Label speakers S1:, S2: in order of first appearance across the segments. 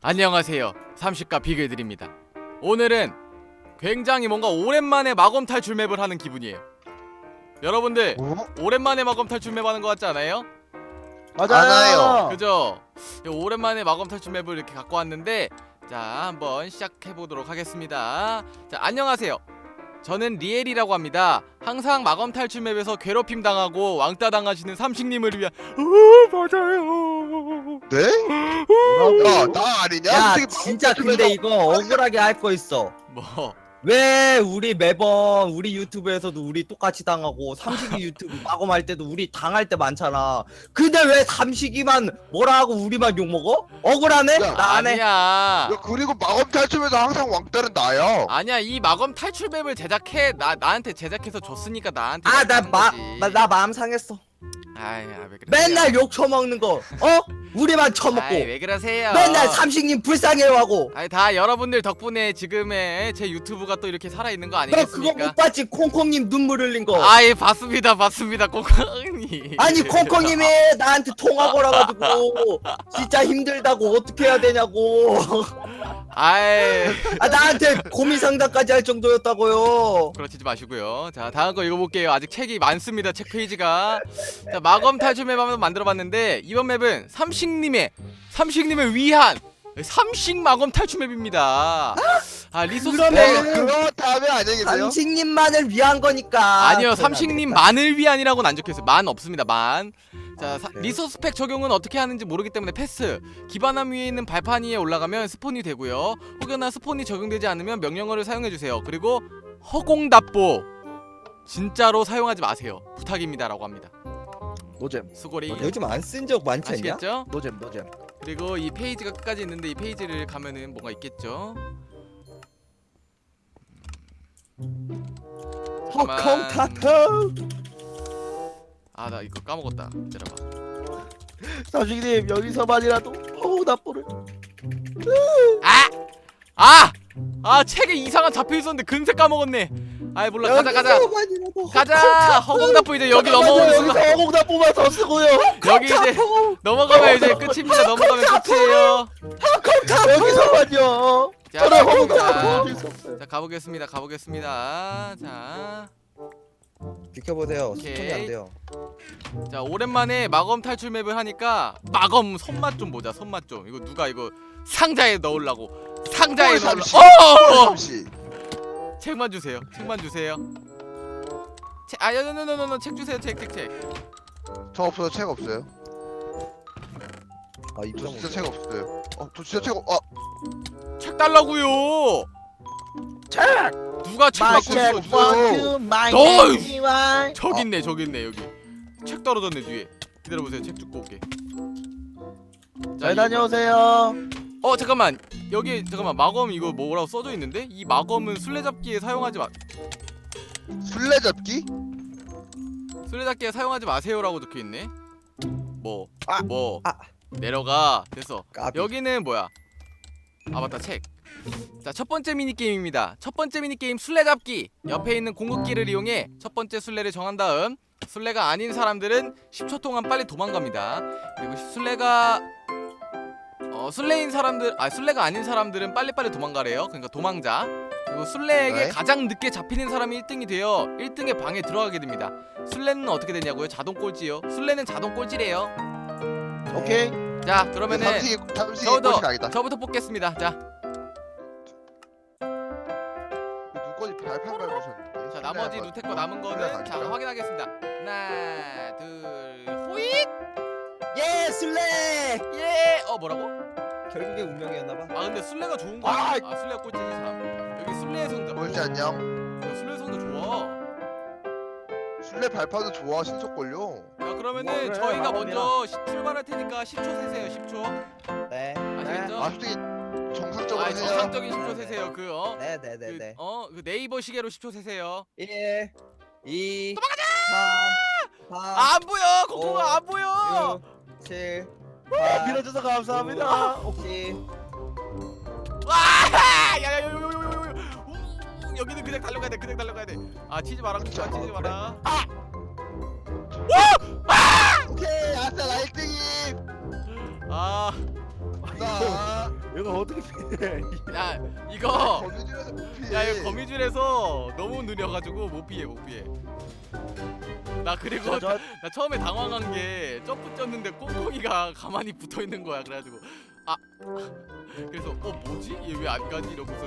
S1: 안녕하세요. 30가 비글드립니다. 오늘은 굉장히 뭔가 오랜만에 마검 탈출 맵을 하는 기분이에요. 여러분들 오랜만에 마검 탈출 맵 하는 것 같지 않아요?
S2: 맞아요.
S1: 그죠? 오랜만에 마검 탈출 맵을 이렇게 갖고 왔는데, 자 한번 시작해보도록 하겠습니다. 자, 안녕하세요. 저는 리엘이라고 합니다. 항상 마검 탈출 맵에서 괴롭힘 당하고 왕따 당하시는 삼식님을 위한 맞아요.
S2: 네? 야, 나 아니냐?
S3: 야
S2: 솔직히
S3: 진짜
S2: 마법
S3: 근데
S2: 탈출에서-
S3: 이거 억울하게 할 거 있어.
S1: 뭐
S3: 왜 우리 매번 우리 유튜브에서도 우리 똑같이 당하고 삼식이 유튜브 마검할 때도 우리 당할 때 많잖아. 근데 왜 삼식이만 뭐라 하고 우리만 욕먹어? 억울하네?
S2: 야,
S3: 나 안 해.
S1: 아니야.
S2: 야, 그리고 마법 탈출에서 항상 왕따는 나야.
S1: 아니야, 이 마검 탈출 맵을 제작해 나한테 제작해서 줬으니까 나한테
S3: 아
S1: 하는 거지.
S3: 나 마음 상했어.
S1: 아이, 왜 그러세요?
S3: 맨날 욕 처먹는 거. 우리만 처먹고.
S1: 아이, 왜 그러세요?
S3: 맨날 삼식님 불쌍해하고.
S1: 아이, 다 여러분들 덕분에 지금의 제 유튜브가 또 이렇게 살아있는 거
S3: 너 그거
S1: 아니겠습니까?
S3: 못 봤지? 콩콩님 눈물 흘린 거.
S1: 아이, 봤습니다 콩콩이.
S3: 아니 콩콩님이 나한테 통화 걸어가지고 진짜 힘들다고 어떻게 해야 되냐고.
S1: 아이,
S3: 아 나한테 고민 상담까지 할 정도였다고요.
S1: 그렇지 마시고요. 자, 다음 거 읽어볼게요. 아직 책이 많습니다. 책 페이지가. 자, 마검 탈출 맵 한번 만들어봤는데, 이번 맵은 삼식님을 위한 삼식 마검 탈출 맵입니다. 아, 리소스
S3: 그러면-
S2: 그렇다면 안녕히 계세요.
S3: 삼식님만을 위한 거니까.
S1: 아니요, 삼식님만을 위한이라고는 안 적혀있어요. 만 없습니다. 만. 자,
S3: 그래요?
S1: 리소스 팩 적용은 어떻게 하는지 모르기 때문에 패스. 기반함 위에 있는 발판 위에 올라가면 스폰이 되고요. 혹여나 스폰이 적용되지 않으면 명령어를 사용해주세요. 그리고 허공답보 진짜로 사용하지 마세요. 부탁입니다라고 합니다.
S2: 노잼.
S1: 수고리.
S3: 요즘 안 쓴 적 많지 않냐?
S1: 아시겠죠?
S2: 노잼.
S1: 그리고 이 페이지가 끝까지 있는데, 이 페이지를 가면은 뭐가 있겠죠?
S3: 허콩 타투.
S1: 아, 나 이거 까먹었다. 기다려봐.
S2: 삼식님 여기서만이라도 나쁘를.
S1: 책에 이상한 잡혀 있었는데 근세 까먹었네. 아이, 몰라. 가자. 허공답보 이제 여기 넘어오는 순간,
S2: 여기서 허공다 뽑아서 쓰고요.
S1: 여기 이제 넘어가면 이제 끝입니다. 넘어가면 끝이에요.
S2: 여기서만요.
S1: 자,
S2: 저는 허공다
S1: 가보겠습니다.
S2: 뽑을 수 없어요.
S1: 자, 가보겠습니다. 자,
S3: 비켜보세요.
S1: 오케이.
S3: 수천이 안 돼요.
S1: 자, 오랜만에 마검 탈출 맵을 하니까 마검 손맛 좀 보자. 손맛 좀. 이거 누가 이거 상자에 넣으려고. 상자에 넣으려고.
S2: 삼시.
S1: 책만 주세요. 책 주세요. 책.
S2: 저 없어요. 책 없어요.
S3: 아
S2: 저
S3: 입장
S2: 진짜 책 없어요. 저 진짜 책 없.
S1: 책 달라고요.
S2: 책.
S1: 누가 책 갖고 있어? 저기 있네 여기. 책 떨어졌네 뒤에. 기다려보세요. 책 줍고 올게.
S2: 잘 다녀오세요.
S1: 잠깐만. 여기 잠깐만, 마검 이거 뭐라고 써져 있는데? 이 마검은 술래잡기에 사용하지
S2: 술래잡기?
S1: 마세요라고 적혀 있네. 뭐
S3: 아,
S1: 내려가. 됐어.
S3: 까비.
S1: 여기는 뭐야? 아, 맞다, 책. 자, 첫 번째 미니 게임입니다. 첫 번째 미니 게임 술래잡기. 옆에 있는 공급기를 이용해 첫 번째 술래를 정한 다음, 술래가 아닌 사람들은 10초 동안 빨리 도망갑니다. 그리고 술래가 아닌 사람들은 빨리빨리 도망가래요. 그러니까 도망자. 그리고 술래에게
S2: 네.
S1: 가장 늦게 잡히는 사람이 1등이 되어 1등의 방에 들어가게 됩니다. 술래는 어떻게 되냐고요? 자동 꼴찌요. 술래는 자동 꼴찌래요.
S2: 오케이.
S1: 자, 그러면은
S2: 삼식이 꼴찌가 아니다.
S1: 저부터 뽑겠습니다. 자,
S2: 눈꺼지 발판 밟으셨는데.
S1: 자, 나머지 누테 거 남은 거는 자, 확인하겠습니다. 하나, 둘, 호잇!
S3: 예 술래.
S1: 예! 뭐라고?
S3: 결국에 운명이었나봐.
S1: 아, 근데 술래가 좋은 거
S2: 아!
S1: 아니야? 술래가 꼴찌지 참. 여기 술래의 성적.
S2: 꼴찌 안녕.
S1: 야, 술래의 성적 좋아.
S2: 술래 발판도 좋아. 신속 걸려.
S1: 야, 그러면은
S3: 그래,
S1: 저희가
S3: 마법이라.
S1: 먼저 출발할 테니까 10초 세세요. 10초.
S3: 네.
S1: 아시겠죠?
S2: 아 솔직히 정상적으로 해요.
S1: 정상적인 10초 세세요.
S3: 네네네네.
S1: 그 네이버 시계로 10초 세세요.
S3: 1, 2,
S1: 도망가자!
S3: 3, 4,
S1: 안 보여. 코코가 안 보여.
S3: 6, 7,
S2: 밀어줘서 감사합니다.
S3: 10.
S1: 와! 야야야야야야야. 여기는 그냥 달려가야 돼. 아, 치지 마라. 치지 마라.
S2: 오케이 아싸 나 1등이.
S1: 아,
S2: 나
S4: 이거 어떻게 피해?
S1: 야 이거
S2: 거미줄에서 못 피해.
S1: 야 이거 거미줄에서 너무 느려가지고 못 피해 못 피해. 나 그리고
S4: 저
S1: 나 처음에 당황한 게 점프 쪘는데 꽁꽁이가 가만히 붙어 있는 거야. 그래가지고 아 그래서 뭐지? 얘 왜 안 가지? 이러고서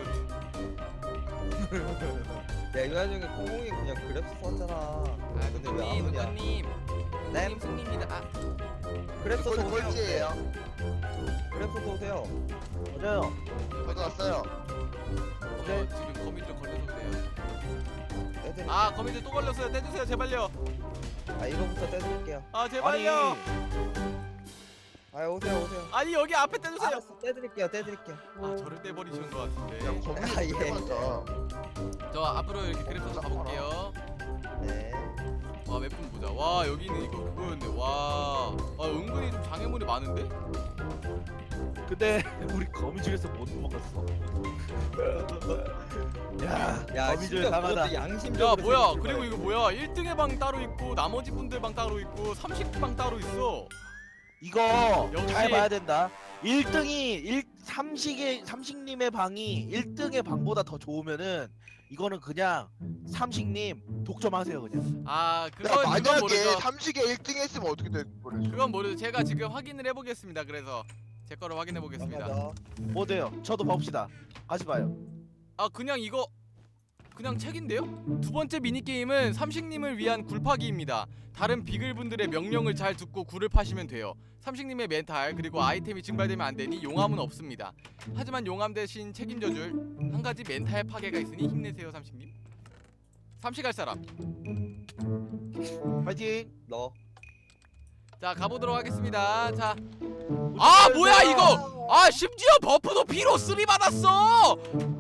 S3: 야 이거 나중에 콩콩이 그냥 그랩스 썼잖아. 근데 왜 안 오냐?
S1: 누가님
S3: 네?
S1: 누가님 승리입니다. 아,
S3: 그랩스
S2: 이거
S3: 오세요.
S2: 꼴찌예요.
S3: 그랩스 오세요.
S4: 맞아요.
S2: 저도 왔어요.
S4: 네.
S1: 지금 거미줄 걸려서 그래요.
S3: 떼드릴게요.
S1: 아 거미줄 또 걸렸어요. 떼주세요 제발요.
S3: 아 이거부터 떼드릴게요.
S1: 아 제발요.
S3: 아 오세요.
S1: 아니 여기 앞에 떼주세요.
S3: 알았어 떼드릴게요.
S1: 아 저를 떼버리시는 것
S2: 야
S1: 같은데.
S2: 거미
S3: 아, 예.
S2: 진짜 많다.
S1: 저 앞으로 이렇게 그래프에서 가볼게요.
S3: 네.
S1: 와 몇 분 보자. 와 여기는 이거 그거였네. 와 은근히 좀 장애물이 많은데?
S4: 근데 우리 거미줄에서 못 먹었어. 야,
S3: 야
S4: 거미줄
S3: 진짜
S4: 강하다.
S3: 그것도 양심적으로
S1: 야 뭐야
S3: 생각해봐요.
S1: 그리고 이거 뭐야 1등의 방 따로 있고 나머지 분들 방 따로 있고 30방 따로 있어.
S4: 이거
S1: 역시-
S4: 잘 봐야 된다. 1등이 삼식님의 방이 1등의 방보다 더 좋으면은 이거는 그냥 삼식님 독점하세요 그냥.
S1: 아
S2: 야
S1: 그건
S2: 만약에
S1: 모르죠.
S2: 삼식에 1등 했으면 어떻게 될 뻔했어?
S1: 그건 모르죠. 제가 지금 확인을 해보겠습니다. 그래서 제 거를 확인해 보겠습니다.
S3: 맞아.
S4: 뭐 돼요? 저도 봅시다. 같이 봐요.
S1: 아 그냥 이거 그냥 책인데요? 두 번째 미니게임은 삼식님을 위한 굴파기입니다. 다른 비글분들의 명령을 잘 듣고 굴을 파시면 돼요. 삼식님의 멘탈 그리고 아이템이 증발되면 안 되니 용암은 없습니다. 하지만 용암 대신 책임져줄 한 가지 멘탈 파괴가 있으니 힘내세요 삼식님. 삼식할 사람.
S4: 파이팅.
S3: 너.
S1: 자 가보도록 하겠습니다. 자. 아 뭐야 이거! 아 심지어 버프도 비로 3 받았어!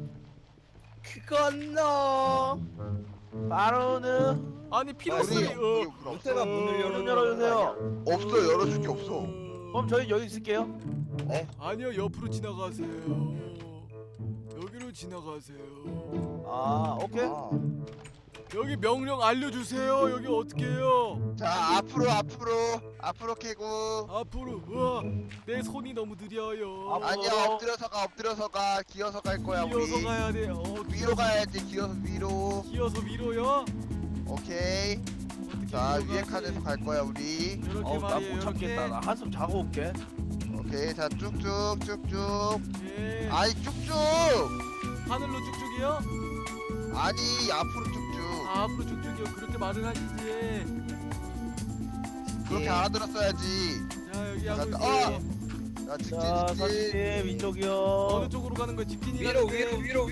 S3: 그건 너.
S4: 바로는
S1: 아니 피로
S3: 아,
S1: 3
S2: 우리
S3: 루테가 문을
S4: 문
S3: 열어주는
S4: 열어주세요.
S2: 없어 열어줄 게 없어.
S4: 그럼 저희 여기 있을게요.
S1: 아니요 옆으로 지나가세요. 여기로 지나가세요.
S4: 아 오케이.
S3: 아,
S1: 여기 명령 알려주세요. 여기 어떻게 해요?
S2: 자 앞으로 캐고.
S1: 앞으로. 우와 내 손이 너무 느려요.
S4: 앞으로.
S2: 아니야 엎드려서 가 기어서 갈 거야
S1: 기어서
S2: 우리.
S1: 가야 돼.
S2: 위로 가야지 기어서 위로.
S1: 기어서 위로요?
S2: 오케이.
S1: 어떻게
S2: 자
S1: 위로
S2: 위에
S1: 가지?
S2: 칸에서 갈 거야 우리.
S1: 이렇게
S4: 나
S1: 말이에요.
S4: 못 참겠다. 나 한숨 자고 올게.
S2: 오케이 자 쭉쭉.
S1: 예.
S2: 아니 쭉쭉.
S1: 하늘로 쭉쭉이요?
S2: 아니 앞으로 쭉쭉.
S1: 아, 앞으로 쭉쭉이요. 그렇게 말을 하시지.
S2: 그렇게 알아들었어야지.
S1: 자 여기 하고
S2: 자,
S1: 있어요.
S2: 자 직진
S4: 자
S2: 직진.
S4: 삼식님 이쪽이요.
S1: 어느 쪽으로 가는 거야? 직진이
S3: 위로
S1: 가는데.
S3: 위로.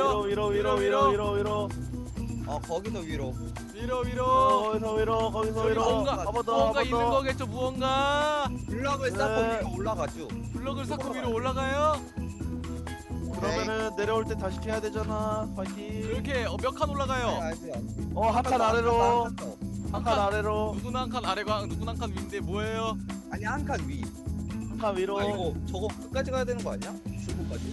S4: 위로.
S3: 거기서 위로.
S4: 거기서
S1: 저기
S4: 위로.
S1: 뭔가
S4: 한번 더,
S1: 무언가
S4: 한번
S1: 있는
S4: 더.
S1: 거겠죠? 무언가
S3: 블럭을
S4: 네.
S3: 쌓고 위로 올라가죠.
S1: 블럭을 쌓고 위로 올라가요.
S4: 그러면은 내려올 때 다시 캐야 되잖아. 파이팅.
S1: 그렇게 몇 칸 올라가요?
S3: 알지.
S4: 한 칸 아래로.
S3: 한 칸.
S4: 한 칸 아래로.
S1: 누구나 한 칸 아래가 누구나 한 칸 위인데 뭐예요?
S3: 아니 한 칸 위.
S4: 한 칸 위로.
S3: 아 이거 저거 끝까지 가야 되는 거 아니야? 출구까지?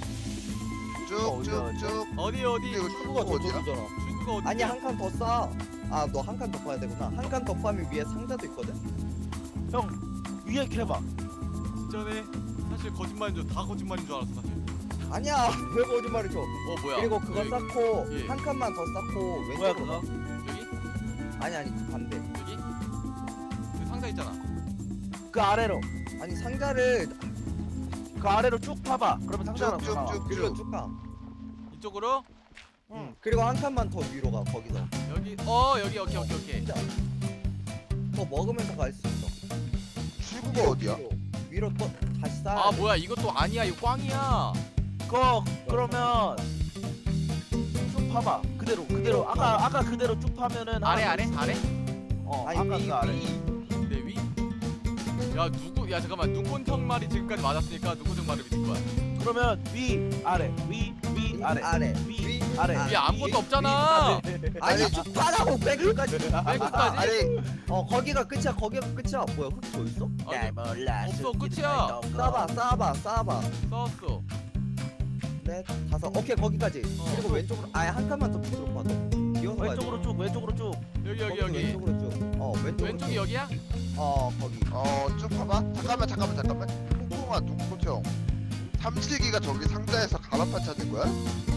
S2: 쭉쭉쭉.
S1: 어디
S2: 근데 이거
S3: 출구가
S2: 어디야?
S3: 저쪽이잖아.
S1: 출구가 어디?
S3: 아니 한 칸 더 쌓아. 아 너 한 칸 더 파야 되구나. 한 칸 더 파면 위에 상자도 있거든.
S4: 형 위에 캐봐.
S1: 진짜네. 사실 거짓말인 줄 다 거짓말인 줄 알았어 사실.
S3: 아니야 왜 거짓말을 쳐.
S1: 뭐야?
S3: 그리고 그거
S1: 여기,
S3: 쌓고
S1: 예.
S3: 한 칸만 더 쌓고
S4: 뭐야
S3: 왼쪽으로
S4: 그거?
S3: 가.
S1: 여기
S3: 아니 그 반대.
S1: 여기 여기 상자 있잖아.
S4: 그 아래로.
S3: 아니 상자를
S4: 그 아래로 쭉 파봐. 그러면 상자가 나와.
S3: 위로
S2: 쭉쭉쭉.
S3: 쭉 가.
S1: 이쪽으로
S4: 응.
S3: 그리고 한 칸만 더 위로 가 거기서.
S1: 여기 여기 오케이.
S3: 진짜 더 먹으면서 갈 수 있어.
S2: 출구가 어디야?
S3: 위로 또 다시 쌓아.
S1: 아 뭐야 이것도 아니야 이거 꽝이야.
S4: 그거 그러면 쭉 파봐. 그대로. 아까 그대로 쭉 파면은
S1: 아래
S4: 하나 더
S1: 아래?
S3: 아니
S4: 아까
S3: 위
S4: 그 아래.
S1: 내 위? 야 잠깐만 누군 형 말이 지금까지 맞았으니까 누구 형 말을 믿을 거야.
S4: 그러면 위 아래 위 아래
S3: 아래.
S4: 위 아래.
S1: 위 아무것도 없잖아.
S3: 아니 쭉 파라고 백까지.
S1: 백까지?
S2: 아니
S3: 거기가 끝이야. 거기가 끝이야. 뭐야 흙 더 있어?
S1: 아니,
S4: 몰라.
S1: 없어, 끝이야.
S3: 쌓아봐.
S1: 썼어.
S3: 넷 다섯. 오케이 거기까지. 그리고 왼쪽으로 아예 한 칸만 더 밑으로 봐. 너 기어서 가야 돼.
S4: 왼쪽으로 쭉.
S1: 여기
S3: 거기서 왼쪽으로 쭉. 왼쪽으로
S1: 왼쪽이
S3: 쭉.
S1: 여기야?
S3: 거기.
S2: 쭉 봐봐. 잠깐만. 콩콩아 누구 형? 삼식이가 저기 상자에서 가마판 찾는 거야?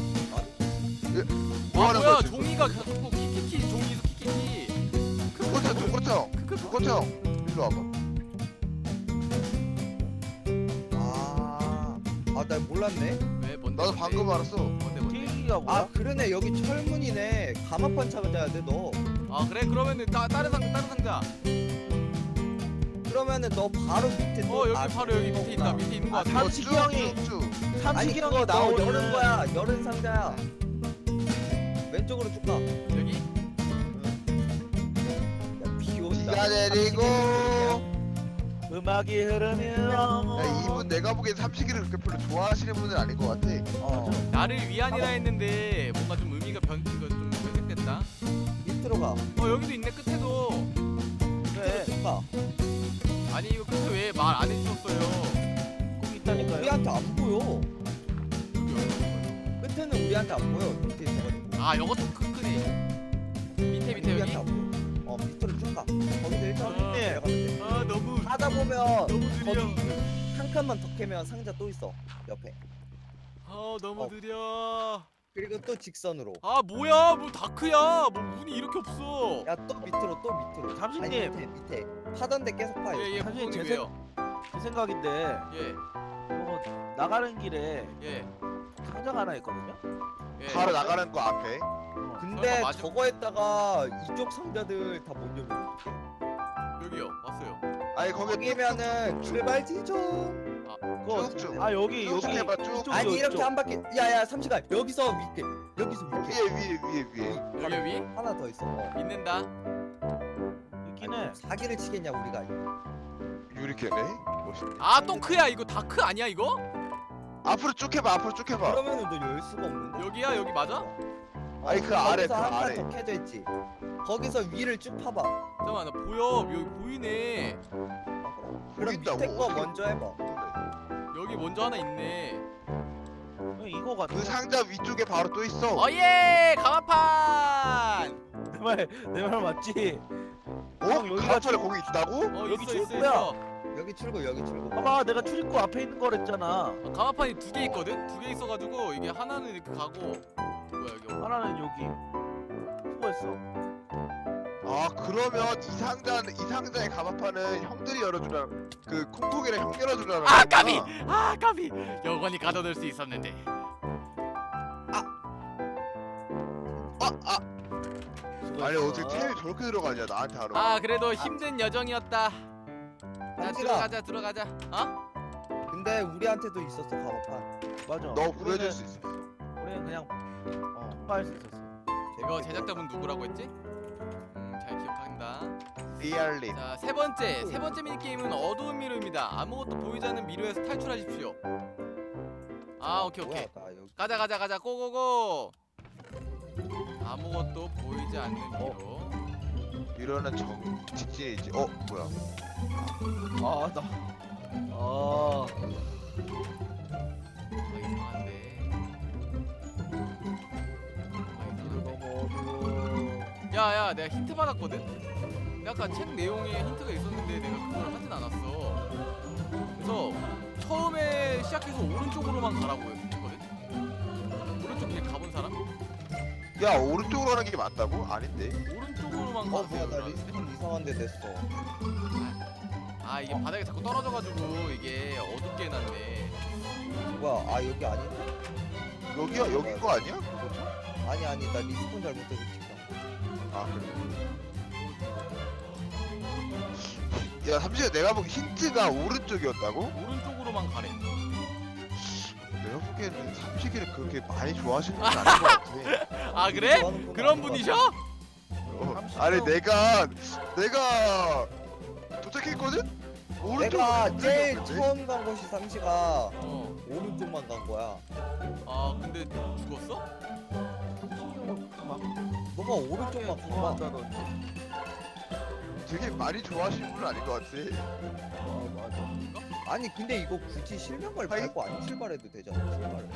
S2: 뭐
S1: 아
S2: 하는
S1: 뭐야
S2: 거야 지금?
S1: 종이가 자꾸 키키키 종이에서 키키키.
S2: 두꺼청 일로 와봐.
S3: 나 몰랐네.
S1: 왜 뭔데?
S2: 나도
S1: 뭔데?
S2: 방금 알았어.
S1: 뭔데?
S4: 계기가 뭐야?
S3: 아 그러네, 여기 철문이네. 가마판 찾아야 돼 너.
S1: 아 그래 그러면은 다른 상자.
S3: 그러면은 너 바로 밑에 또
S1: 여기 바로 여기 밑에 있다. 밑에 있는 거
S4: 아,
S1: 같아.
S4: 삼식이 형이
S3: 아니
S4: 삼식이
S3: 그거
S4: 형이
S3: 나
S4: 나오는
S3: 열은 거야. 열은 상자야. 왼쪽으로 쭉 가.
S1: 여기?
S3: 야, 비 온다.
S2: 비가 내리고.
S4: 음악이 흐르면
S2: 야, 이분 내가 보기엔 삼식이를 그렇게 별로 좋아하시는 분은 아닌 것 같아.
S1: 나를 위안이라 했는데 뭔가 좀 의미가 이거 좀 변색됐다.
S3: 밑으로 가.
S1: 여기도 있네 끝에도.
S4: 그래
S3: 쭉 가.
S1: 아니 이거 끝에 왜 말 안 해주셨어요?
S4: 거기 있다니까요.
S3: 우리한테 안 보여.
S1: 여기 어디?
S3: 끝에는 우리한테 안 보여. 밑에 있어가지고.
S1: 아 이것도 크네. 밑에 여기?
S3: 우리한테 안 보여. 밑으로 쭉 가. 거기서 일단 내려가면 돼.
S1: 아 너무
S3: 하다 보면
S1: 너무 느려.
S3: 거기 한 칸만 더 캐면 상자 또 있어 옆에.
S1: 너무
S3: 어.
S1: 느려.
S3: 그리고 또 직선으로.
S1: 아 뭐야 뭐 다크야. 뭐 운이 이렇게 없어.
S3: 야 또 밑으로 또 밑으로.
S4: 잠시님.
S3: 아니, 밑에 파던 데 계속 파요.
S1: 예예
S4: 사실
S1: 부모님
S4: 제
S1: 왜요?
S4: 제 생각인데
S1: 예
S4: 이거 나가는 길에
S1: 예.
S4: 상자가 하나 있거든요.
S1: 예.
S2: 바로 나가는 거 앞에.
S3: 근데
S1: 설마 맞아?
S3: 저거 했다가 이쪽 상자들 다 못 열어.
S1: 여기요 왔어요.
S2: 아니 거기
S3: 거기면은 출발 지점.
S4: 그거
S2: 쭉.
S4: 아 여기
S2: 쭉 해봐, 쭉.
S4: 이쪽,
S3: 아니
S4: 이쪽,
S3: 이렇게
S4: 이쪽.
S3: 한 바퀴. 야야 3시간 여기서 밑에. 여기서 밑에.
S2: 위에.
S1: 여기 위
S3: 하나 더 있어.
S1: 있는다.
S4: 있긴 해.
S3: 사기를 치겠냐 우리가.
S2: 유리캐네. 멋있네.
S1: 아 똥크야 이거 다크 아니야 이거?
S2: 앞으로 쭉 해봐. 앞으로 쭉 해봐.
S3: 그러면은 너 열 수가 없는데.
S1: 여기야 여기 맞아?
S2: 아니, 그 아래, 그
S3: 거기서
S2: 아래.
S3: 한칸 더 캐져 있지. 거기서 위를 쭉 파봐.
S1: 잠깐만 나 보여 여기 보이네.
S3: 그럼
S2: 보인다고?
S3: 밑에 거
S2: 어떻게
S3: 먼저 해봐.
S1: 여기 먼저 하나 있네.
S4: 이거 같아.
S2: 그 상자 위쪽에 바로 또 있어.
S1: 어예 가마판.
S4: 내말 맞지?
S2: 어?
S4: 형, 여기가
S2: 가마판에 거기 있다고?
S4: 여기
S1: 있어
S4: 출구야.
S3: 여기 출구 여기 출구.
S4: 봐봐 내가 출입구 앞에 있는 거랬잖아.
S1: 가마판이 두 개 있거든? 두 개 있어가지고 이게 하나는 이렇게 가고 뭐야 여기
S4: 하나는 여기. 수고했어.
S2: 아 그러면 이 상자의 가마판은 형들이 열어주라. 그 콩콩이랑 형 열어주라.
S1: 아 까비! 아 까비! 영원히 가둬둘 수 있었는데.
S2: 아니 어떻게 템이 저렇게 들어가냐 나한테 하러.
S1: 아 그래도 힘든 여정이었다. 자
S3: 한지가.
S1: 들어가자. 어?
S3: 근데 우리한테도 있었어 가마판.
S4: 맞아.
S2: 너 구해줄 수 있어.
S4: 우리는 그냥 통과할 수 있었어.
S1: 이거 제작자분 누구라고 했지? 잘 기억한다.
S2: 리알린.
S1: 자 세 번째 미니 게임은 어두운 미로입니다. 아무것도 보이지 않는 미로에서 탈출하십시오. 아 오케이.
S3: 뭐야, 나 여기.
S1: 가자 고고고. 아무것도 보이지 않는 미로.
S2: 이러는 정 직진이지. 뭐야?
S4: 아 나.
S1: 이상한데.
S4: 너무 어두워.
S1: 야야 내가 힌트 받았거든? 아까 책 내용에 힌트가 있었는데 내가 그걸 하진 않았어. 그래서 처음에 시작해서 오른쪽으로만 가라고 했거든? 오른쪽 그냥 가본 사람?
S2: 야 오른쪽으로 가는 게 맞다고? 아닌데.
S1: 오른쪽으로만
S3: 뭐야
S1: 가세요
S3: 나
S1: 그러는데?
S3: 리스폰 이상한 데 됐어.
S1: 아 이게 바닥에 자꾸 떨어져가지고 이게 어둡게 해놨네.
S3: 뭐야 여기 아니야?
S2: 여기야 여긴 거 아니야?
S3: 아니 나 리스폰 잘못해서 지금.
S2: 아 그래. 야 삼시가 내가 보기 힌트가 오른쪽이었다고?
S1: 오른쪽으로만 가래.
S2: 내가 보기에는 삼식이를 그렇게 많이 좋아하시는 분 아닌 것 같아.
S1: 아 그래?
S3: 좋아하는 건
S1: 그런
S3: 아닌 것
S1: 분이셔?
S2: 아니 내가 도착했거든?
S3: 내가
S2: 오른쪽으로
S3: 제일
S2: 갔는데?
S3: 처음 간 곳이 삼시가
S1: 어.
S3: 오른쪽만 간 거야.
S1: 아 근데 죽었어?
S3: 너가 오른쪽만 간 거야.
S4: 좋아한다던데.
S2: 되게 많이 좋아하시는 분은 아닌 것 같아.
S3: 아니 근데 이거 굳이 실명을
S2: 아이.
S3: 밟고 안 출발해도 되잖아. 출발을.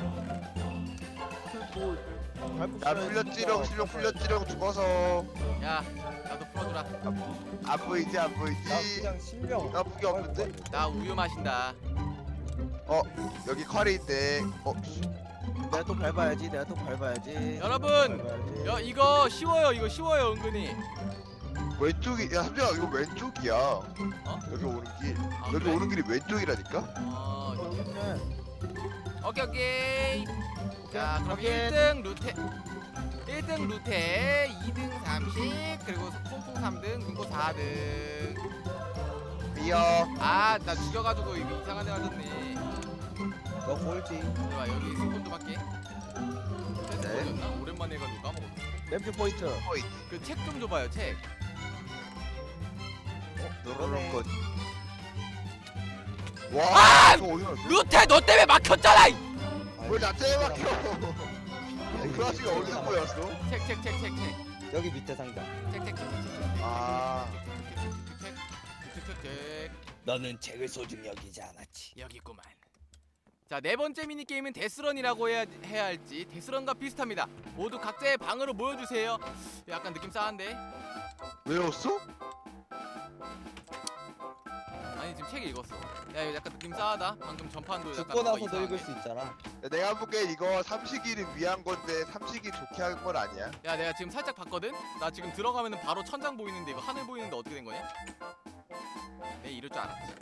S4: 뭐 밟고
S2: 야
S4: 있어야지.
S2: 풀렸지롱 실력 풀렸지롱 죽어서.
S1: 야 나도 풀어주라.
S2: 안 보이지 안
S3: 나
S2: 보이지.
S3: 그냥 실명.
S2: 나 무기 없는데?
S1: 나 우유 마신다.
S2: 여기 컬이 있대.
S4: 내가 또 밟아야지. 내가 또 밟아야지.
S1: 여러분,
S4: 밟아야지.
S1: 야 이거 쉬워요. 이거 쉬워요 은근히.
S2: 왼쪽이 야 삼촌아 이거 왼쪽이야. 여기 오는 길.
S1: 아,
S2: 여기
S1: 그래?
S2: 오는 길이 왼쪽이라니까.
S4: 여기 있네.
S1: 오케이 오케이. 자 그럼
S4: 확인.
S1: 1등 루테 1등 루테 2등 30 그리고 퐁퐁 3등 눈꽃 4등.
S2: 미어.
S1: 아 나 죽여가지고 이거 이상한 데 맞았네.
S3: 너 꼴찌.
S1: 봐 여기 스폰도 받게.
S2: 네.
S1: 네. 오랜만에 해가지고 까먹었네.
S4: 램프 포인트.
S1: 그 책 좀 줘봐요 책.
S2: 누르는 것. 와.
S1: 아!
S2: 이거 어디 갔어?
S1: 루테 너 때문에 막혔잖아.
S2: 왜나 때문에 막혀? 그 아저씨가 어디서 보였어?
S1: 책책책책책.
S3: 여기 밑에 상자.
S2: 아.
S3: 너는 책을 소중히 여기지 않았지.
S1: 여기 있구만. 자, 네 번째 미니 게임은 데스런이라고 해야 할지 데스런과 비슷합니다. 모두 각자의 방으로 모여주세요. 약간 느낌 싸한데?
S2: 외웠어?
S1: 아니 지금 책 읽었어. 야 이거 약간 느낌 싸하다. 방금 전판도 약간
S3: 죽고
S1: 뭔가
S3: 나서도
S1: 이상하네.
S3: 읽을 수 있잖아.
S2: 야, 내가 보기엔 이거 삼식이를 위한 건데 삼식이 좋게 한 건 아니야.
S1: 야 내가 지금 살짝 봤거든? 나 지금 들어가면은 바로 천장 보이는데 이거 하늘 보이는데 어떻게 된 거냐? 내 이럴 줄 알았지.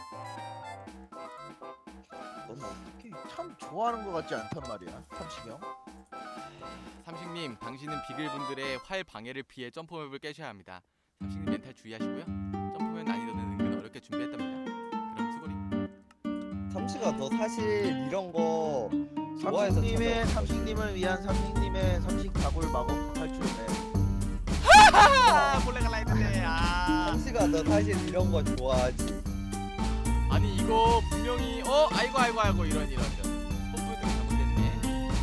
S3: 넌 어떻게?
S4: 참 좋아하는 것 같지 않단 말이야. 삼식이 형.
S1: 삼식님, 당신은 비글분들의 활 방해를 피해 점프맵을 깨셔야 합니다. 삼식님 멘탈 주의하시고요. 점프맵 난이도는 은근 어렵게 준비했답니다. 그럼 수고리.
S3: 삼시가 너 사실 이런 거 좋아해서
S4: 삼식님을 위한 삼식님의 삼식 다굴 마법 탈출네.
S1: 아, 몰래 갈라 했는데. 아.
S3: 삼시가 너 사실 이런 거 좋아하지.
S1: 아니 이거 분명히 아이고 이런 스포츠 잘못됐네.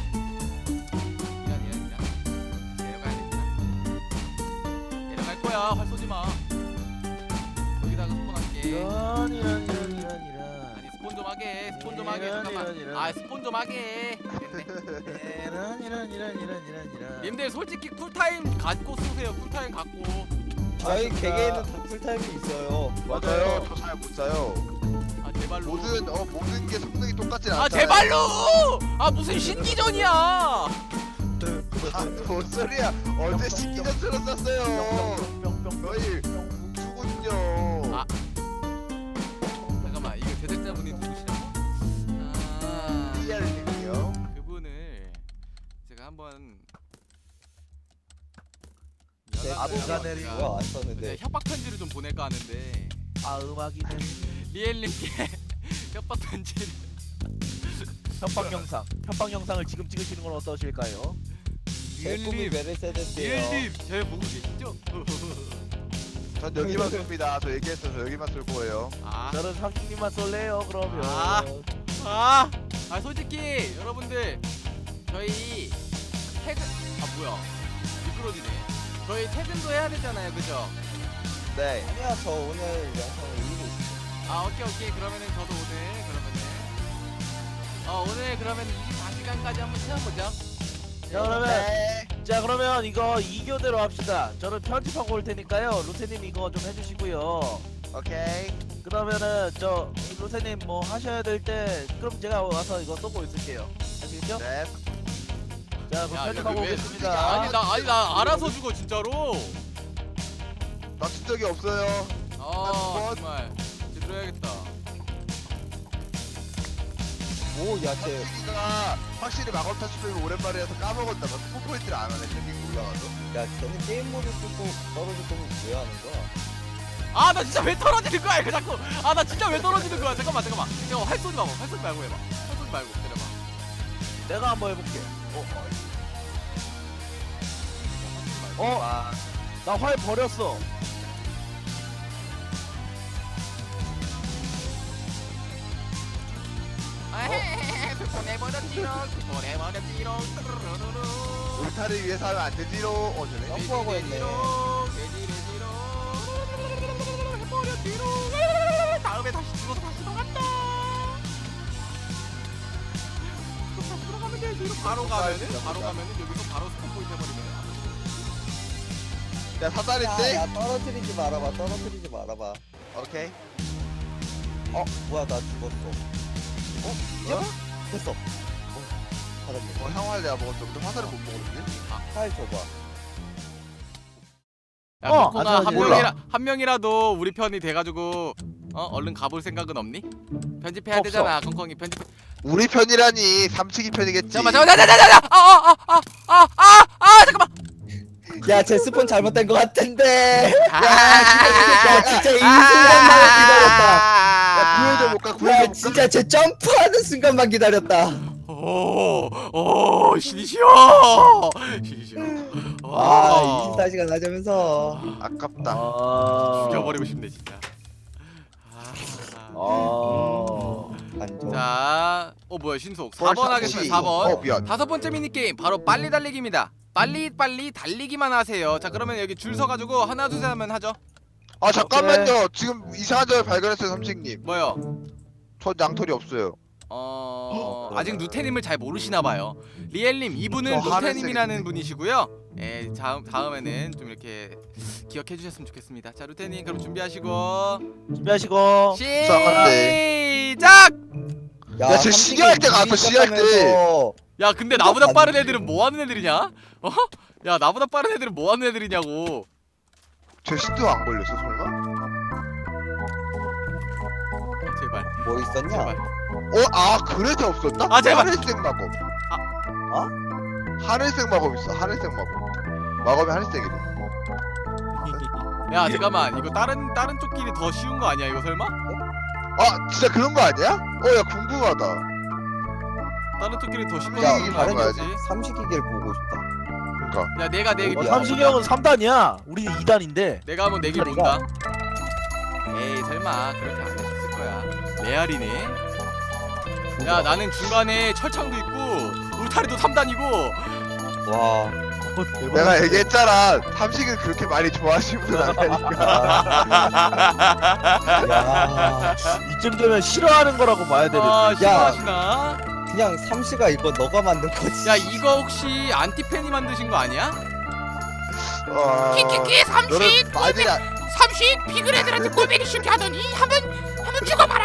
S1: 이런 내려가야 되구나. 내려갈 거야. 활 쏘지 마. 여기다가 스폰할게.
S4: 이런.
S1: 아니 스폰 좀 하게. 스폰 좀 하게.
S4: 이런,
S1: 잠깐만.
S4: 이런.
S1: 아 스폰 좀 하게. 됐네.
S4: 이런.
S1: 님들 솔직히 쿨타임 갖고 쏘세요. 쿨타임 갖고.
S3: 저희
S4: 맞습니다.
S3: 개개인은 다 풀타임이 있어요.
S2: 맞아요. 저 잘 못 사요.
S1: 아 제발로.
S2: 모든 게 성능이 똑같진 않아요.
S1: 아 제발로. 아 무슨 신기전이야.
S2: 뭔 소리야? 어제 신기전처럼 쐈어요. 너희 누군요?
S1: 아. 잠깐만 이거 제작자분이 누구시라고? 아
S2: 이알님이요.
S1: 그분을 제가 한번
S4: 아부가네리.
S1: 제가
S3: 뭐야 안 썼는데.
S1: 협박 편지를 좀 보낼까 하는데
S4: 음악이네.
S1: 리엘님께 협박 편지를
S4: 협박 영상을 지금 찍으시는 건 어떠실까요?
S3: 제 꿈이 메르세데스예요.
S1: 리엘님 저 보고 계시죠?
S2: 전 여기만 쏩니다. 저 얘기했어요. 저 여기만 쏠 거예요.
S1: 아,
S4: 저는 삼식님만 쏠래요. 그러면.
S1: 아 솔직히 여러분들 저희 퇴근 뭐야 미끄러지네. 저희 퇴근도 해야 되잖아요, 그죠?
S2: 네.
S3: 아니야 저 오늘 영상을 올리고 있어.
S1: 아 오케이 그러면은 저도 오늘 그러면은 24시간까지 한번 채워보죠.
S4: 자 그러면
S2: 네.
S4: 자 그러면 이거 2교대로 합시다. 저는 편집하고 올 테니까요. 루테님 이거 좀 해주시고요.
S2: 오케이.
S4: 그러면은 저 루테님 뭐 하셔야 될 때 그럼 제가 와서 이거 쏘고 있을게요. 아시겠죠?
S2: 네.
S4: 자 그럼
S1: 야,
S4: 편집하고
S1: 여기 왜-
S4: 오겠습니다.
S1: 아니 나 알아서 죽어 진짜로.
S2: 맞춘 적이 없어요.
S1: 아 정말 제대로 해야겠다.
S3: 오야쟤
S2: 삼식이가 확실히 마법 탈출을 오랜만이라서 까먹었나 봐. 스포포인트를 안 하네. 책이 올라가서.
S3: 야 쟤는 게임 모드 쓰고 떨어질 거면 왜 하는 거야?
S1: 아 나 진짜 왜 떨어지는 거야 이거 자꾸. 아 나 진짜 왜 떨어지는 거야. 잠깐만 이거 활 쏘지 말고 해봐. 활 쏘지 말고 기다려봐.
S4: 내가 한번 해볼게.
S3: 와
S4: 나 활 버렸어.
S1: 보내버렸지롱.
S2: 울타를 위해서 하면 안 되지로. 저네.
S3: 점프하고 했네.
S1: 해버렸지롱. 다음에 다시 죽어서 다시 들어간다. 다시 들어가면 되지. 바로 가면은 여기서 바로 스폰 포인트 해버리면.
S2: 야 사다리인데?
S3: 야 떨어뜨리지 말아봐.
S2: 오케이.
S3: 뭐야 나 죽었어. 됐어. 받았네.
S2: 향화를 내가 먹었어. 근데 화살을 못 먹었지.
S3: 파일 줘봐.
S1: 야
S4: 안
S1: 코코가
S4: 좋아하지.
S1: 한 명이라도 우리 편이 돼가지고 얼른 가볼 생각은 없니? 편집해야
S4: 없어.
S1: 되잖아 콩콩이 편집.
S2: 우리 편이라니 삼식이 편이겠지.
S1: 잠깐만 잠깐만.
S3: 야, 제 스폰 잘못된 것 같은데.
S1: 아,
S3: 야, 진짜 이 순간만 기다렸다.
S2: 야 구해줘 볼까?
S3: 야,
S2: 구해줘 볼까?
S3: 진짜 제 점프하는 순간만 기다렸다.
S1: 오 신이 쉬어. 신이 쉬어.
S3: 아, 24시간 하자면서.
S2: 아깝다.
S1: 죽여버리고 싶네 진짜.
S3: 안 좋아.
S1: 자, 뭐야 신속
S2: 뭘
S1: 4번 하겠습니다.
S2: 삼식.
S1: 4번.
S2: 미안.
S1: 다섯 번째 미니 게임 바로 빨리 달리기입니다. 빨리 달리기만 하세요. 자, 그러면 여기 줄 서가지고 하나 둘 셋 하면 하죠.
S2: 아 잠깐만요. 지금 이상한 점을 발견했어요, 삼식님.
S1: 뭐요?
S2: 저 양털이 없어요.
S1: 아직 누테님을 잘 모르시나 봐요. 리엘님 이분은
S2: 저
S1: 누테님이라는
S2: 하늘색인데.
S1: 분이시고요. 예, 다음에는 좀 이렇게 기억해 주셨으면 좋겠습니다. 자, 루테님 그럼 준비하시고
S4: 준비하시고.
S1: 시작.
S2: 야, 쟤 시기할 때 갔어, 시기할 때.
S1: 야, 근데 나보다 빠른 애들은 뭐 하는 애들이냐? 야, 나보다 빠른 애들은 뭐 하는 애들이냐고.
S2: 제 신도 안 걸렸어 설마?
S1: 제발.
S3: 뭐 있었냐?
S1: 제발.
S2: 아 그래서 없었나?
S1: 아, 제발.
S2: 하늘색 마법.
S3: 어?
S2: 하늘색 마법 있어. 하늘색 마법. 마법이 하늘색이래.
S1: 야, 잠깐만. 이거 다른 쪽끼리 더 쉬운 거 아니야? 이거 설마?
S2: 아 진짜 그런 거 아니야? 야 궁금하다.
S1: 다른 쪽끼리 더 쉽게
S2: 야,
S1: 쉬운 거
S2: 다른
S1: 아니지?
S3: 삼식이길 보고 싶다.
S2: 그러니까
S1: 야, 내가 내기
S3: 어디야?
S4: 삼식이 형은 3단이야. 우리는 2단인데.
S1: 내가 한번 내기 본다. 에이, 설마 그렇게 안 하셨을 거야. 레알이네. 야, 나는 중간에 철창도 있고 울타리도 3단이고.
S3: 와.
S2: 내가 얘기했잖아. 삼식을 그렇게 많이 좋아하시는 분 아니니까.
S3: 야.
S4: 이쯤 되면 싫어하는 거라고 봐야 되는데.
S1: 아, 싫어하시나?
S3: 그냥 삼시가 이거 너가 만든 거지.
S1: 야, 이거 혹시 안티팬이 만드신 거 아니야?
S2: 키키키
S5: 삼식
S2: 맞이야.
S5: 삼식 비글애들한테 꼴배기 싫게 하더니 한번 죽어봐라.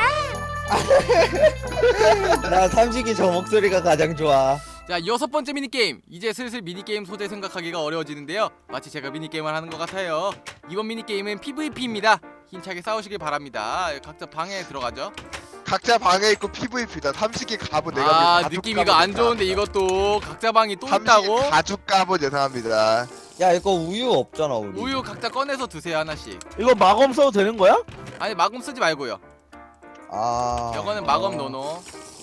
S3: 나 삼식이 저 목소리가 가장 좋아.
S1: 자, 6번째 미니게임. 이제 슬슬 미니게임 소재 생각하기가 어려워지는데요. 마치 제가 미니게임을 하는 것 같아요. 이번 미니게임은 PVP입니다. 힘차게 싸우시길 바랍니다. 각자 방에 들어가죠.
S2: 각자 방에 있고 PVP다. 삼식이 갑은 내가 가죽
S1: 느낌 이거
S2: 갑옷
S1: 안 좋은데 이것도 각자 방이 또 있다고?
S2: 삼식이 가죽 갑옷 예상합니다.
S3: 야, 이거 우유 없잖아, 우리.
S1: 우유 각자 꺼내서 드세요 하나씩.
S4: 이거 마검 써도 되는 거야?
S1: 아니, 마검 쓰지 말고요.
S3: 아.
S1: 이거는 마검 노노.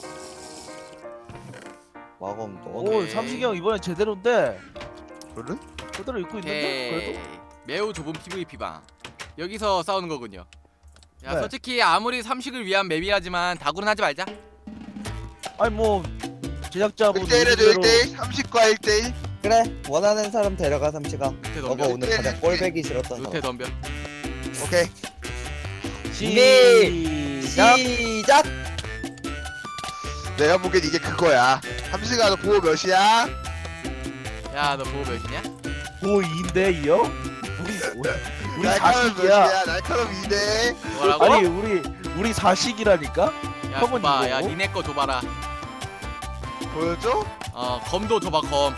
S3: 마검 너.
S4: 오,
S1: 오케이.
S4: 삼식이 형 이번엔 제대로인데.
S2: 그래?
S4: 제대로 입고 있는데.
S1: 오케이.
S4: 그래도.
S1: 매우 좁은 PVP 방. 여기서 싸우는 거군요. 야,
S4: 네.
S1: 솔직히 아무리 삼식을 위한 맵이라지만 다구는 하지 말자.
S4: 아니 뭐 제작자분
S2: 1대1 해줘
S4: 의견대로
S2: 1대1 30과 1대1
S3: 그래, 원하는 사람 데려가, 삼시가.
S1: 루테
S3: 너가
S1: 덤벼.
S3: 오늘 가장 꼴배기 싫었던
S1: 루테
S3: 사람.
S1: 덤벼.
S2: 오케이.
S4: 시작.
S3: 시작!
S2: 내가 보기엔 이게 그거야. 삼식아 너 보호 몇이야?
S1: 야, 너 보호 몇이냐?
S4: 뭐 2인데 이요? 우리
S2: 날카로운
S4: 4식이야.
S2: 몇이야? 날카로운 2대.
S1: 뭐라고?
S4: 아니 우리 4식이라니까?
S1: 야,
S4: 형은
S1: 줘봐. 야,
S4: 이거고?
S1: 니네 거 줘봐라.
S2: 보여줘?
S1: 검도 줘봐, 검.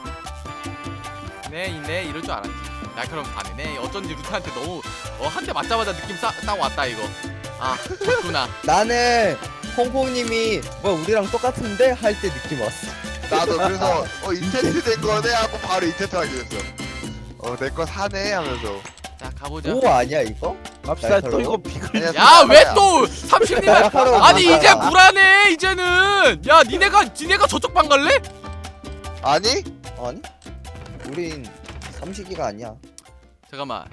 S1: 네, 이럴 줄 알았지. 날카로운 반이네. 어쩐지 루테한테 너무 한 대 맞자마자 느낌 딱 왔다 이거. 아, 좋구나.
S3: 나는 콩콩님이 뭐 우리랑 똑같은데 할 때 느낌 왔어.
S2: 나도 그래서 인텐트 된 거네 하고 바로 인텐트 하게 됐어. 내 거 사네 하면서.
S1: 자, 가보자.
S3: 오 아니야 이거?
S4: 갑시다. 또
S3: 날카로워?
S4: 이거 비글.
S2: 아니야,
S1: 야, 왜
S2: 사과야.
S1: 또 삼식님?
S3: 날카로운
S1: 아니,
S3: 반이야.
S1: 이제 불안해. 이제는. 야, 니네가 저쪽 방 갈래?
S2: 아니?
S3: 아니? 우린 삼식이가 아니야.
S1: 잠깐만.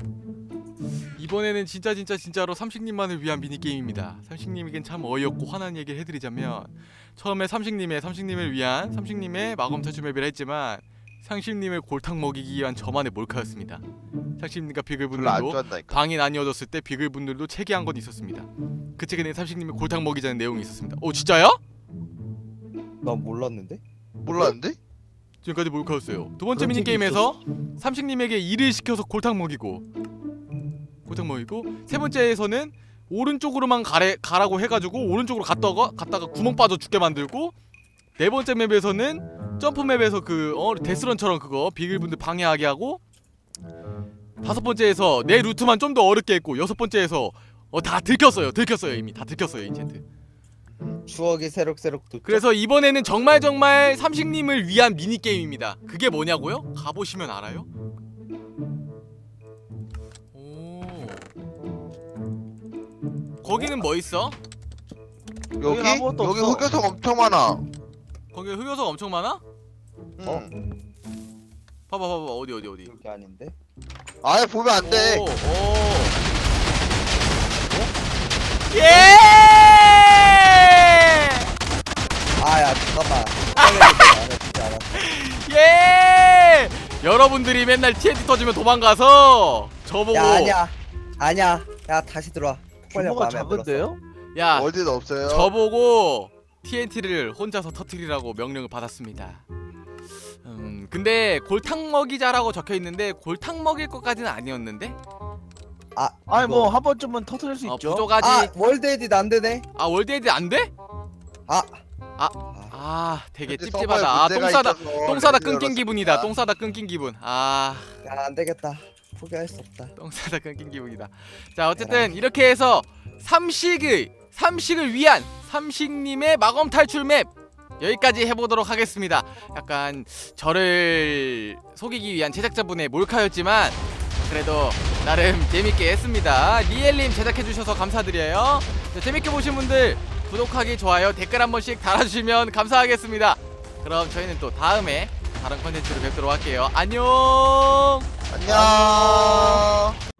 S1: 이번에는 진짜로 삼식님만을 위한 미니게임입니다. 삼식님에겐 참 어이없고 화난 얘기를 해드리자면 처음에 삼식님을 위한 삼식님의 마검 탈출 맵이라 했지만 삼식님을 골탕 먹이기 위한 저만의 몰카였습니다. 삼식님과
S2: 별로 안
S1: 비글분들도
S2: 좋아한다니까.
S1: 방이 나뉘어졌을 때 비글분들도 체계한 건 있었습니다. 그 책에는 삼식님을 골탕 먹이자는 내용이 있었습니다. 오, 진짜요?
S3: 난 몰랐는데?
S2: 몰랐는데?
S1: 지금까지 몰카였어요. 두 번째
S3: 그런 책이
S1: 미니게임에서 삼식님에게 일을 시켜서 골탕 먹이고 세 번째에서는 오른쪽으로만 가라고 해가지고 오른쪽으로 갔다가 구멍 빠져 죽게 만들고, 네 번째 맵에서는 점프 맵에서 데스런처럼 그거 비글분들 방해하게 하고, 다섯 번째에서 내 루트만 좀 더 어렵게 했고, 여섯 번째에서 다 들켰어요. 이미 다 들켰어요 인챈트.
S3: 추억이 새록새록 돋죠.
S1: 그래서 이번에는 정말 삼식님을 위한 미니 게임입니다. 그게 뭐냐고요? 가보시면 알아요. 오. 거기는 뭐 있어?
S2: 여기
S4: 아무것도
S2: 여기
S4: 없어.
S2: 흑요석 엄청 많아.
S1: 거기 흑요석 엄청 많아? 봐봐 어디.
S3: 여기 아닌데?
S2: 아예 보면 안 돼.
S1: 오. 예!
S3: 아야 잠깐만. 안 했지 않았어.
S1: 예! 여러분들이 맨날 TNT 터지면 도망가서 저보고
S3: 야 아니야. 야 다시 들어와.
S4: 규모가 작은데요?
S1: 야
S2: 월드도 없어요.
S1: 저보고 TNT를 혼자서 터뜨리라고 명령을 받았습니다. 근데 골탕 먹이자라고 적혀 있는데 골탕 먹일 것까지는 아니었는데?
S4: 아니 뭐 한 번쯤은 터트릴 수 있죠.
S1: 부족하지.
S3: 아 월드 에딧 안 되네.
S1: 월드 에디 안 돼? 되게
S2: 근데
S1: 찝찝하다.
S2: 서버에 문제가 있어서
S1: 똥 싸다
S2: 레드를
S1: 끊긴 기분이다.
S2: 열었습니다.
S1: 똥 싸다 끊긴 기분.
S3: 야 안 되겠다. 포기할 수 없다.
S1: 똥 싸다 끊긴 기분이다. 자 어쨌든 이렇게 해서 삼식을 위한 삼식님의 마검 탈출 맵 여기까지 해보도록 하겠습니다. 약간 저를 속이기 위한 제작자분의 몰카였지만 그래도 나름 재밌게 했습니다. 리엘님 제작해주셔서 감사드려요. 자, 재밌게 보신 분들 구독하기, 좋아요, 댓글 한 번씩 달아주시면 감사하겠습니다. 그럼 저희는 또 다음에 다른 컨텐츠로 뵙도록 할게요. 안녕.
S2: 안녕.